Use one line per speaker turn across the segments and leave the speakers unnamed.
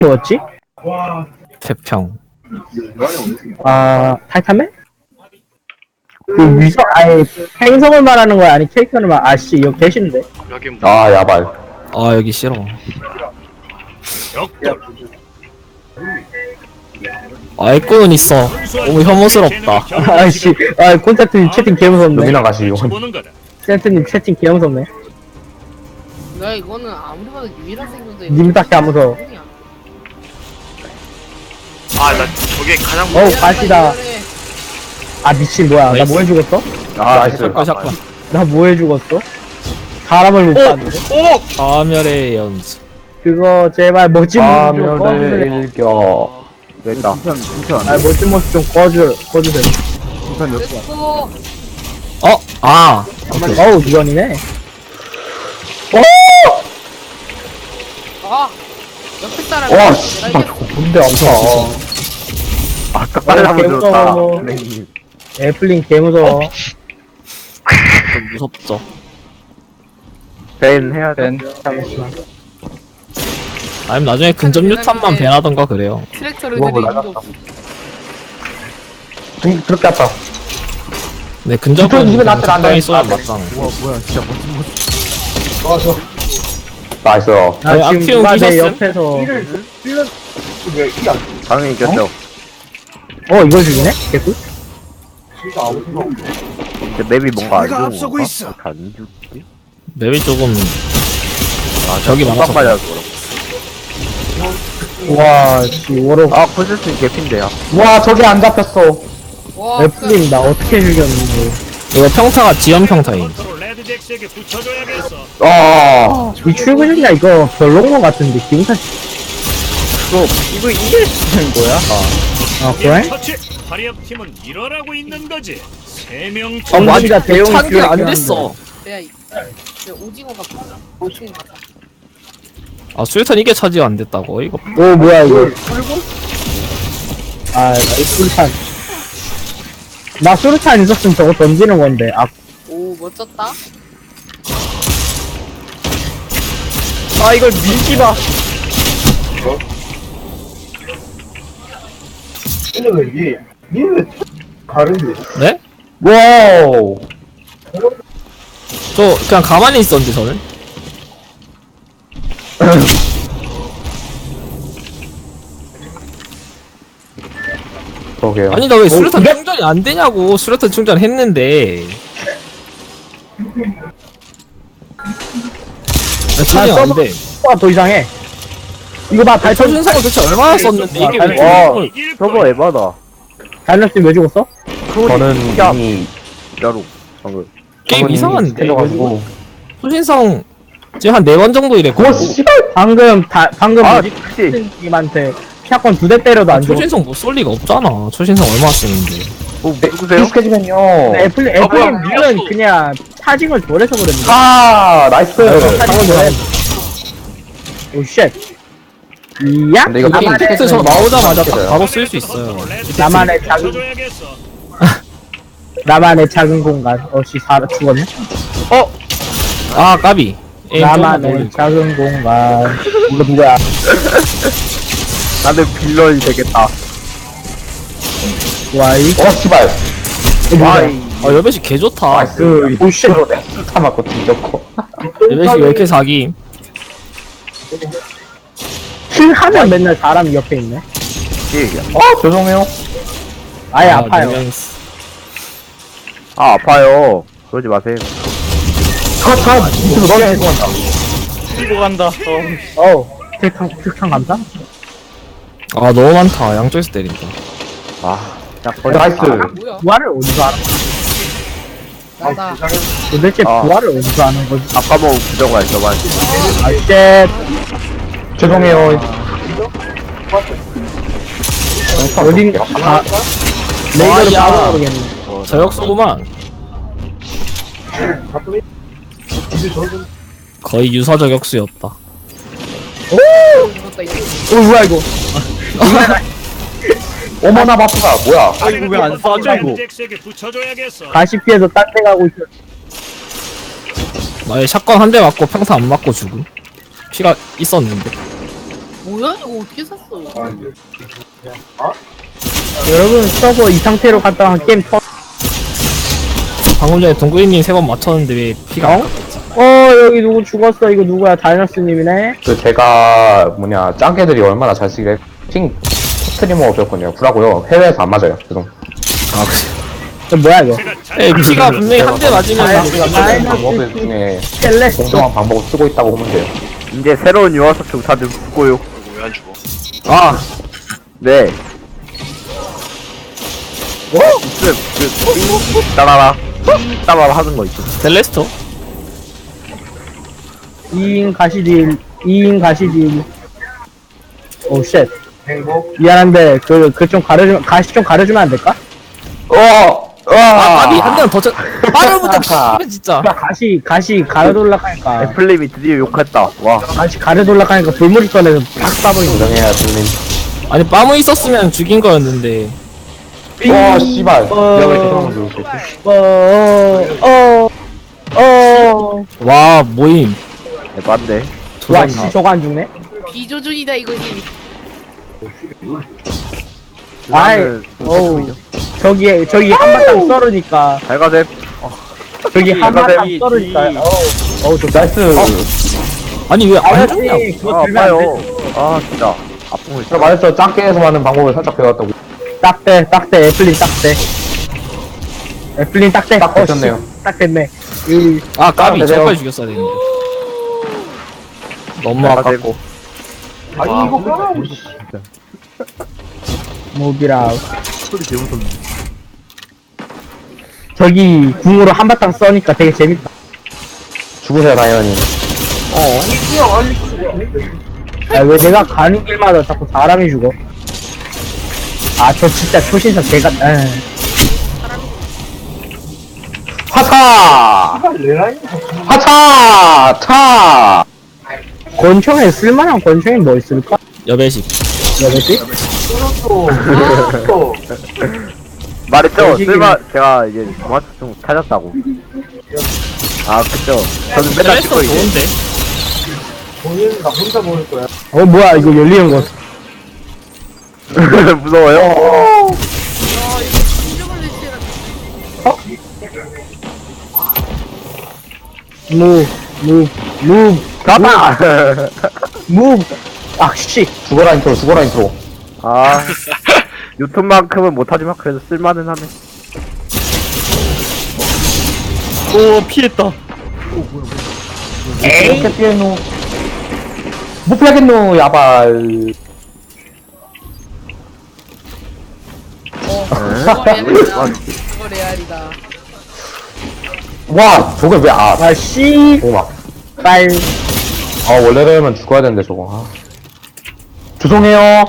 뭐였지?
태평.
아, 타이탄맨? 그 위성, 아니, 행성을 말하는 거야? 아니, 캐릭터를 말, 아씨, 이거 개신데?
여긴
아 야발.
아 여기 싫어. 아이콘은 있어. 너무 혐오스럽다.
아씨, 아, 콘센트님 채팅 개무섭네.
루미나 가시오.
콘센트님 채팅 개무섭네.
야 이거는 아무리 봐도 유일한 생존자
님답게 안 무서워.
아나 저게 가장
어우, 가시다. 아, 미친, 뭐야. 나 뭐 해 죽었어?
아 나이스.
샷건.
나 뭐 해 죽었어? 사람을 못 봤는데?
파멸의 연수.
그거, 제발, 멋진 모습 좀
파멸의
꺼주세요.
일격. 됐다.
아, 멋진 모습 좀 꺼주세요.
됐고
아
어우, 미연이네.
아 옆에 사람이
와
내가
씨발
이겼어.
저거 뭔데 아파. 아까 빨리 한번 들었다. 네.
애플링 개무서워.
좀 무섭죠.
벤 해야 돼.
잠시만.
아니면 나중에 근접 유탄만 배나던가 그래요.
트랙터를
우와,
들이
나갔다.
힘도 없어.
그렇게 아파.
네 근접은
유탄 입에 놨더라, 안 돼.
적당히 쏘면 맞잖아.
나이스.
나
네,
지금
악티움
누가 내
끼셨음?
옆에서
당연히 이겼죠.
이걸 죽이네? 개꿀?
근데 맵이 뭔가 안 좋은 건가? 안 죽지?
맵이 조금
아
저기 많아서
깜빡 맞아서 그렇고.
와, 씨, 워럭.
아 포즈스 개핀데요.
와, 저게 안 잡혔어.
와
애플링, 나 어떻게 죽였는데.
이거 평타가 지연 평타임.
아
이 출근이야, 이거 별로인 것 같은데, 기분 탓이.
이거 이게 쓰는 거야?
아, 그래?
화력 팀은 일어나고 있는 거지. 세명
전문가 대용
찬게 안 됐어.
내가 오징어가 오징어 같아.
아 수류탄 이게 차지가 안 됐다고 이거.
오, 뭐야, 이거. 아, 나 수류탄. 나 수류탄 있었으면 저거 던지는 건데. 아,
오 멋졌다.
아 이걸 밀지 마. 네?
와우.
저 그냥 가만히 있었는데 저는.
그러게요.
아니 나 왜 수류탄 충전이 안 되냐고. 수류탄 충전했는데. 나 충전이 안 돼.
더 이상해. 이거 봐, 달천,
초신성을 도대체 얼마나 썼는데 이게 왜
와
초신성을-
저거 에바다.
달렸으면 왜 죽었어?
저는 이미 진짜로 방금
게임 이상한데.
해가지고.
초신성 지금 한 4번 정도 이랬거든.
방금, 방금,
아
뭐지?
혹시
님한테 샷건 2대 때려도 안 죽어.
초신성 못 쏠 리가 없잖아. 초신성 얼마나 쓰는데.
뭐 누구세요?
익숙해지면요. 애플링 는 그냥 차징을 덜해서 그랬는데.
아 나이스.
차징을 덜해. 오, 쉣. 이야?
근데 이거
게임
나만의,
텍스트 저 나오자마자 딱
있어요.
바로 쓸 수 있어요.
나만의 작은, 나만의 작은 공간. 씨, 죽었네?
아 까비. 에임 좀만
나만의
올리고.
작은 공간. 이거 누구야?
나는 빌런이 되겠다.
와, 이,
씨발.
와,
아 여배씨 개 좋다.
그,
오쉣으로 내가 맞고 뒤졌고.
여배씨 왜 이렇게 사기?
킬 하면 맨날 사람이 옆에 있네.
죄송해요.
아예 아파요.
네 명
아 아파요. 그러지 마세요.
밑으로 넣어야 해서 간다.
뛰고 간다.
특탕 감사?
아 너무 많다. 양쪽에서 때린다.
나이스.
뭐야?
부활을 어디서 하는 거야?
나다.
도대체
아.
부활을 어디서 하는 거지?
아까 뭐 부정가 있어만.
아, 쉣.
죄송해요.
어딘, 아, 레이더를
야.
바로 모르겠네.
저역소구만. 거의 유사 저격수였다.
죽었다 이거.
뭐야, 이거.
어머나 바쁘다. 뭐야?
아이고 왜 안 쏴줘 이거? 잭스에게 붙여줘야겠어.
가시 피해서 딴 데 가고 있어.
나의 샷건 한 대 맞고 평타 안 맞고 죽음. 피가 있었는데.
뭐야 이거 어떻게 샀어?
여러분 서버 이 상태로 갔다 한 게임
방금 전에 동구이님 3번 맞췄는데 왜 피가 안
여기 누구 죽었어. 이거 누구야? 다이너스님이네.
그 제가 뭐냐 짱개들이 얼마나 잘 쓰길래 핑 스트리머 없었거든요. 구라고요. 해외에서 안 맞아요. 죄송.
저 뭐야 이거?
제가
예, 피가 분명히 한 대 맞으면
다이너스
방법을 중에
셀레스토.
공정한 방법을 쓰고 있다고 보면 돼요.
이제 새로운 유아사총 다들 죽고요.
왜 안 죽어?
아, 네. 따라라. 따라라 하는 거 있죠.
셀레스토?
2인 가시딜. 2인 가시딜. 오 쉣. 미안한데 그 좀 가려주면 가시 좀 가려주면 안 될까?
아, 까비 한 대만 더 쳐. 빠르부터 씨발 진짜.
가시 가려돌락하니까
애플님이 드디어 욕했다. 와.
가시 가려돌락하니까 불물이 꺼내서 팍 쏴버리는
인정해야 들린.
아니 빠무 있었으면 죽인 거였는데.
와 씨발.
어.
내가 왜 죄송한 줄 알았지?
와 모임.
에반데.
와씨 저거 안 죽네?
비조준이다 이거지.
아이 어우 저기 한바탕 썰으니까
잘 가셈.
저기 한바탕
이-
썰으니까
이-
어우 저 나이스
아니 왜 안 죽냐?
아저씨 그거
아,
들면
아파요.
안돼
아, 진짜. 아픔을
제가 말했죠. 짱개에서 하는 방법을 살짝 배웠다고.
딱대 애플린 딱대 애플린 딱대
딱 됐네요.
딱 됐네
아 까비
되세요.
저까지 죽였어야 되는데. 너무
잘
아깝고.
가셈.
모비라
소리 개 무섭네.
저기 궁으로 한바탕 써니까 되게 재밌다
죽으세요 당연히.
왜 내가 가는 길마다 자꾸 사람이 죽어 아 저 진짜 초신사 개가
하차! 하차! 차!
권총에 쓸만한 권총이 뭐 있을까?
여배식.
여보지?
말했죠?
여기
제가 이제 유아사총 찾았다고. 아, 그쵸. 저는 맨날
셀레스토
찍고 이제.
좋은데.
뭐야 이거 열리는 거
무서워요?
아 이거 진정을 내치라.
가봐!
아씨
죽어라 인트로 죽어라 인트로.
아, 유튜브만큼은 못하지만 그래도 쓸만은 하네.
오 피했다.
이렇게 피해노. 못 피하겠노 야발.
그거 레알이다. 그거 레알이다.
와 저게 왜
아씨
오마.
빨
원래라면 죽어야 되는데 저거. 죄송해요.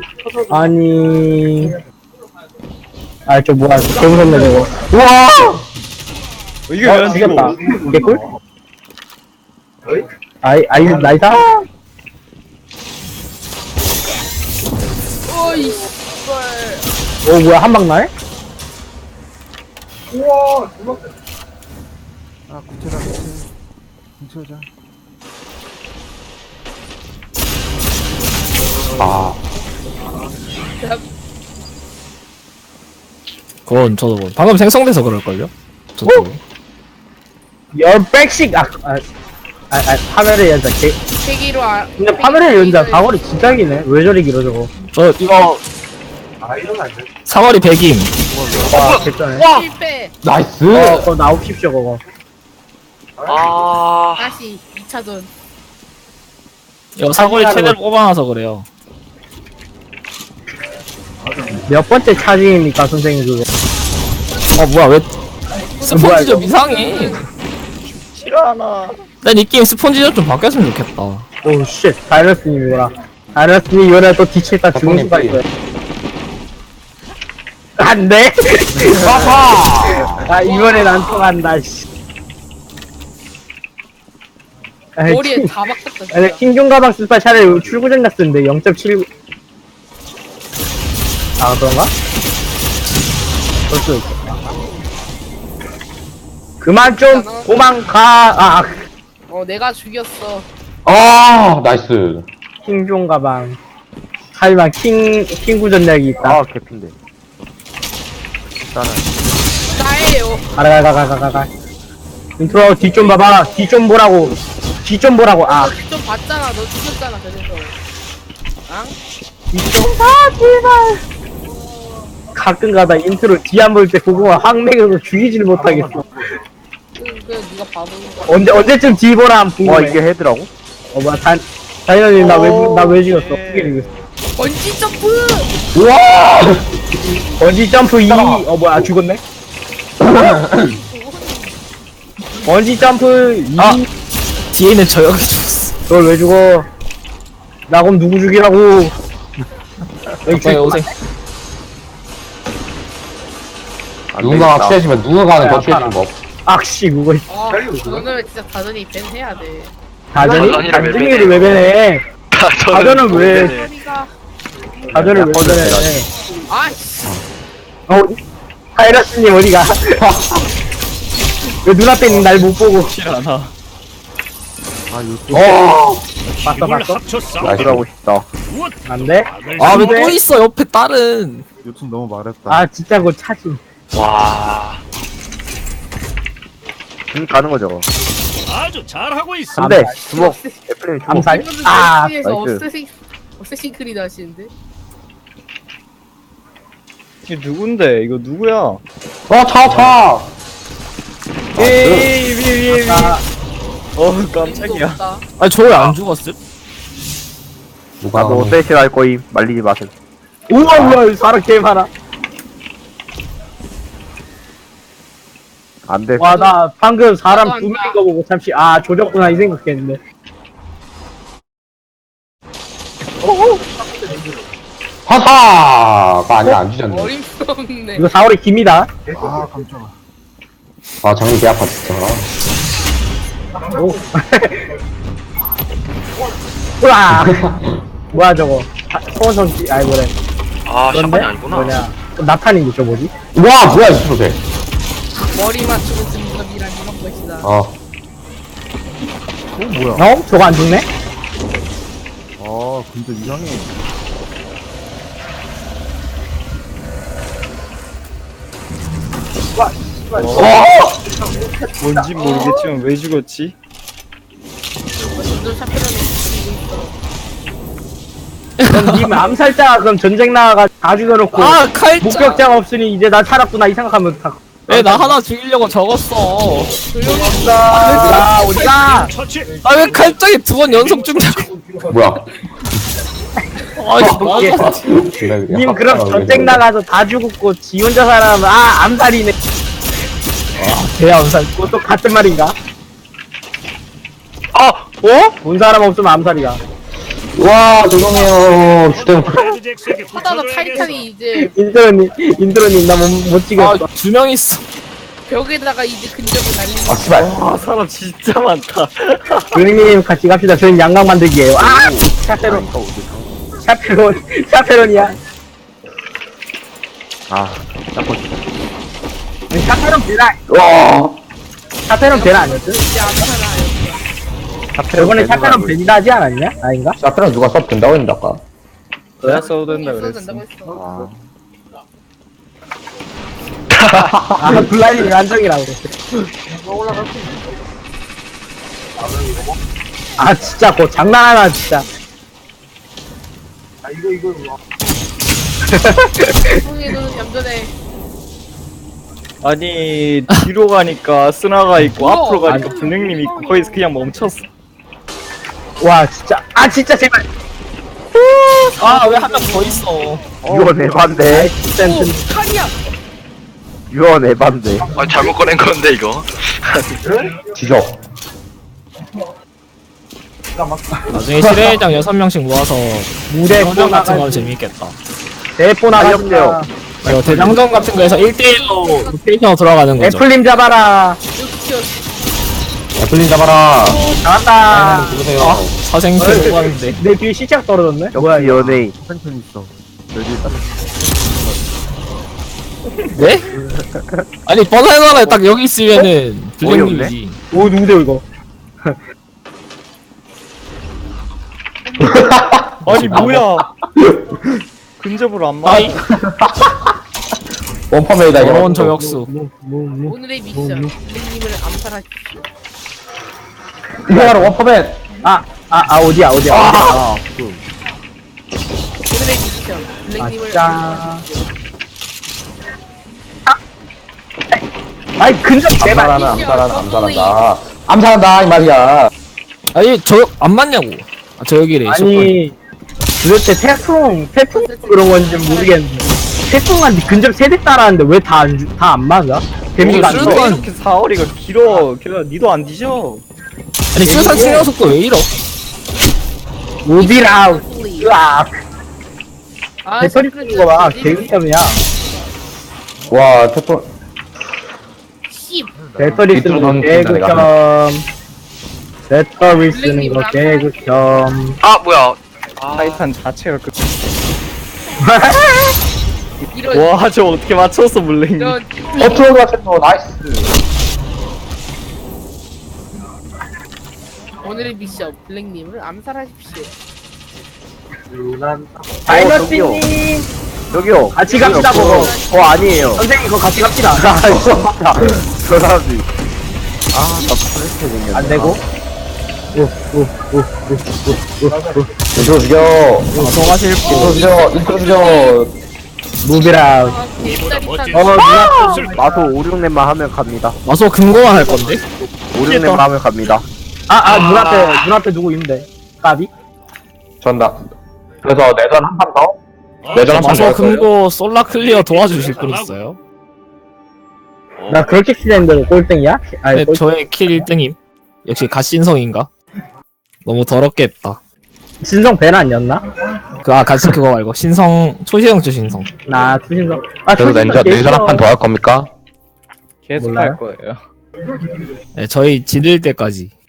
아니 저 뭐야 개 무섭네 저거
우와.
이게 왜안 죽였다 개꿀? 나이다
어이 씨발.
뭐야 한방 날?
아
그건 저도 뭐 방금 생성돼서 그럴걸요? 저도.
열백씩 파멸의 연자 개
세기로
근데 파멸의 연자 사거리 진짜 기네 왜 저리 길어 저거
저 이거 사거리 100임.
와 개쩌네
실패.
나이스.
그거 나옵십시오 그거
아,
다시 2차전.
이거 사거리 최대로 뽑아놔서 그래요.
몇 번째 차징입니까 선생님 그거
뭐야 왜
뭐야,
스폰지점
이거?
이상해. 싫어하나. 난 이 게임 스폰지점 좀 바뀌었으면 좋겠다.
오쉣 다이너스님이구나 다이너스님 이번에 또 뒤치다 죽은 수가
덕분에
있어요 안돼 이번엔 안 통한다 씨
머리에 다 박혔다. 진짜.
킹종 가방 쓸 바 차라리 출구전 갔었는데 0.79 그런가? 벌써 그만 좀 도망가
내가 죽였어.
나이스.
킹종 가방. 하지만 킹구 전략이 있다.
아 개핀데. 일단은
나예요.
가가. 인트로 뒤 좀 봐봐. 뒤 좀 보라고. 뒤 좀 보라고. 아.
너좀 봤잖아. 너 죽였잖아. 그래서. 앙?
뒤 좀 봐, 제발. 가끔가다 인트로 뒤 안 볼 때 그거 항맥으로 죽이질 못하겠어.
그 네가 바보인 거.
언제쯤 뒤 보라 하면
와
궁금해.
이게 헤드라고?
뭐야, 다이너님 나 왜 죽였어? 어떻게 죽였어?
번지 점프.
우와! 번지 점프 2. 뭐야, 죽었네? 번지 점프 2.
아! 뒤에 있는 저 여기 죽었어.
널 왜 죽어? 나 그럼 누구 죽이라고? 여기
빨리 오세요.
안
누군가가
되겠다.
취해지면 누군가는 더
야,
취해지는 법.
악씨, 그거.
아, 너는 진짜 다전이 밴 해야 돼.
다전이?
다전이를 왜
다전이를 왜 배네? 다전은 왜?
소리가.
다전을 왜
꺼져,
배네?
아이씨.
타이러스님 어디가? 왜 눈앞에 있는 날 못 보고?
싫어하나.
아 요즘
봤어,
힘을
봤어?
합쳐 싸워.
나들하고 싶다.
무엇?
안 돼?
아, 왜
근데-
또 있어, 옆에 딸은.
요즘 너무 말했다.
아, 진짜 그거 차지.
와.
가는 거죠.
아주 잘하고 있어.
근데 주먹 애플님 주먹.
암살?
이분들
아,
넷플릭스에서
나이스.
어쌔신 크리드 하시는데?
이게 누군데? 이거 누구야?
차!
위에.
아,
깜짝이야.
없다.
아니, 저 왜 안 죽었음?
누가
나도 세실 할 거임. 말리지 마세요.
우와, 사람 개 많아.
안 돼.
와, 나 방금 사람
나도
두
안
명인 거 보고 잠시, 아, 조졌구나, 이 생각했는데.
화사가 아니라 안 주졌네.
어림없네.
이거 4월에 김이다.
아 깜짝아.
아, 정리 개 아파, 진짜.
오. 우와! 뭐야, 저거. 소원성씨, 아이, 뭐래.
아,
그런데?
샤판이 아니구나.
뭐냐. 나탄인데, 저 뭐지?
와, 뭐야, 이 프로세.
머리 맞추고 등급이란 이런 것이다.
어? 저거 안 죽네?
아 근데 이상해. 뭔지 모르겠지만 왜 죽었지?
점점 샤프런이
그럼 님 암살자가 그럼 전쟁 나가가 다 죽여놓고.
아, 칼자!
목격자가 없으니 이제 나 살았구나, 이 생각하면 다.
왜 나 하나 죽이려고 적었어.
아, 어디가?
처치.
아, 왜 칼짝이 2번 연속 죽냐고.
뭐야.
아니, 맞아.
님 그럼 전쟁 나가서 다 죽었고 지 혼자 살아면 아 암살이네. 개 암살. 그것도 같은 말인가? 본 사람 없으면 암살이야.
와, 죄송해요. 휴대폰.
레드잭스에게
하다가
붙여줘야겠어.
타이탄이 이제
인트로님 나 못 찍었어.
아, 2명 있어.
벽에다가 이제 근접을 날리는
아, 씨발.
아 사람 진짜 많다.
조용님 같이 갑시다. 저희는 양강 만들기예요. 아, 샤페론이야.
아 자꾸
샤페론 베라.
와.
샤페론 베라 아니었어?
이제 암살아.
저번에 샤페론 베니다 하지 않았냐? 아닌가?
샤프는 누가 써 된다고 했는데, 아까.
너야 써도 된다
써도
그랬어.
된다고 했어.
아, 블라인이 안정이라고 그랬어. 아, 진짜, 그거 장난하나, 진짜.
형이 너는 얌전해.
아니 뒤로 가니까 스나가 있고
우와.
앞으로 가니까 분행님이 있고 거기서 그냥 멈췄어.
와, 진짜. 아, 진짜, 제발.
아, 왜 한 명 더 있어.
유언 에반데.
진짜.
오, 칼이야.
유언 에반데.
아, 잘못 꺼낸 건데, 이거.
지적.
나중에 실외장 6명씩 모아서
무대
대장전 같은 거 하면 재밌겠다.
대포 나가세요.
알려주세요.
이거 대장전 같은 거에서 1대1로 로테이션으로 들어가는 거죠.
애플님 잡아라.
애플린 잡아라.
나왔다.
누구세요? 사생실 못 가는데.
내 뒤에 시작 떨어졌네.
역시 연예인.
펜션 있어.
네? 아니, 뻔하잖아요. 딱 여기 있으면은 블랙님이지.
오, 누구세요, 이거?
아니 뭐야? 근접으로 안 맞아.
아이
원퍼메이다 이거.
더러운 저격수.
오늘의 미션 블랙님을 암살하십시오.
이게 바로 원퍼맨.
어디야.
오늘의 미션 블랙님을
아,
암살하십시오.
아이 근접 제발.
암살한다 이 말이야.
아니 저격 안 맞냐고. 아 저격이래.
아니 도대체 태풍 그런 건지 모르겠는데 태풍한테 근접 세대 따라하는데 왜 다 안 맞아? 데미지가 안
어,
돼?
수류탄.
왜 이렇게 사거리가 길어? 걔가 니도 안 뒤져.
아니 수류탄 치료 속도 왜 이러?
무비랑 으악
아,
배터리 쓰는 거 봐. 개극점이야.
와 태풍.
씨.
배터리 쓰는 거 개극점. 배터리 쓰는 거 개극점.
아 뭐야 아
타이탄 자체가 그.
이런
와, 저 어떻게 맞췄어, 물랭이.
이런
어트로가 채도 나이스.
오늘의 미션 블랙님을 암살하십시오.
다이너스님
여기요.
같이 갑시다 보고.
아니에요.
선생님 그거 같이 갑시다.
저 사람이. 나 프레스 생겼네.
안 되고.
인트로 죽여.
방송하실 분.
인트로 죽여.
무비랑.
아,
이보다 멋진
누나.
없을
마소 5, 6렘만 하면 갑니다.
마소 금고만 할 건데.
5, 6렘만 하면 갑니다.
눈앞에 누구 있는데? 까비?
전다. 그래서 내전 한 판 더. 내전 한 판 더.
마소 금고 솔라 클리어 도와주실 분 있어요?
나 그렇게 키는데 꼴등이야? 아니
네, 저의 킬 1등임. 역시 갓신성인가? 너무 더럽게 했다.
신성 벤 아니었나?
같이 그거 말고 신성 초시형주 신성.
나 추신성.
그래서 내전 한 판 더 할 겁니까?
계속
몰라요?
할 거예요.
네, 저희 지를 때까지.